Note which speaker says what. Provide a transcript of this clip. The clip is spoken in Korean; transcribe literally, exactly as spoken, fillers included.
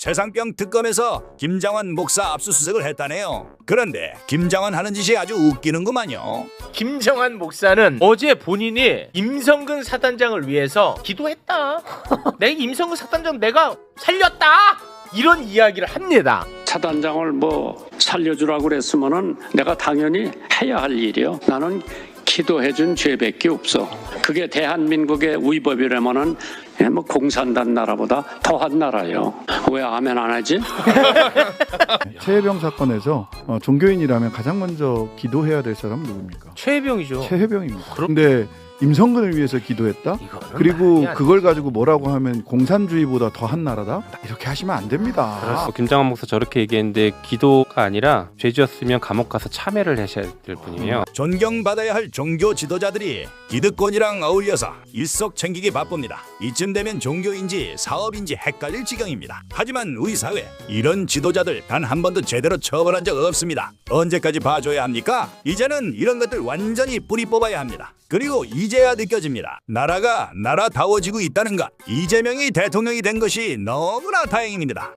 Speaker 1: 세상병 특검에서 김장환 목사 압수수색을 했다네요. 그런데 김장환 하는 짓이 아주 웃기는구만요.
Speaker 2: 김정한 목사는 어제 본인이 임성근 사단장을 위해서 기도했다. 내 임성근 사단장 내가 살렸다. 이런 이야기를 합니다.
Speaker 3: 사단장을 뭐 살려주라고 그랬으면은 내가 당연히 해야 할 일이요. 나는 기도해준 죄밖에 없어. 그게 대한민국의 위법이라면은 뭐 공산당 나라보다 더한 나라요. 왜 아멘 안 하지?
Speaker 4: 최혜병 사건에서 어, 종교인이라면 가장 먼저 기도해야 될 사람은 누굽니까?
Speaker 2: 최혜병이죠.
Speaker 4: 최혜병입니다.
Speaker 2: 그럼-
Speaker 4: 근데 임성근을 위해서 기도했다?
Speaker 2: 이거는
Speaker 4: 그리고
Speaker 2: 말이 안
Speaker 4: 그걸 가지고 뭐라고 하면 공산주의보다 더한 나라다? 이렇게 하시면 안 됩니다.
Speaker 5: 어, 김장환 목사 저렇게 얘기했는데 기도가 아니라 죄지었으면 감옥 가서 참회를 하셔야 될 뿐이에요.
Speaker 1: 존경받아야 할 종교 지도자들이 기득권이랑 어울려서 일석챙기기 바쁩니다. 이쯤 되면 종교인지 사업인지 헷갈릴 지경입니다. 하지만 우리 사회 이런 지도자들 단 한 번도 제대로 처벌한 적 없습니다. 언제까지 봐줘야 합니까? 이제는 이런 것들 완전히 뿌리 뽑아야 합니다. 그리고 이제야 느껴집니다. 나라가 나라다워지고 있다는 것. 이재명이 대통령이 된 것이 너무나 다행입니다.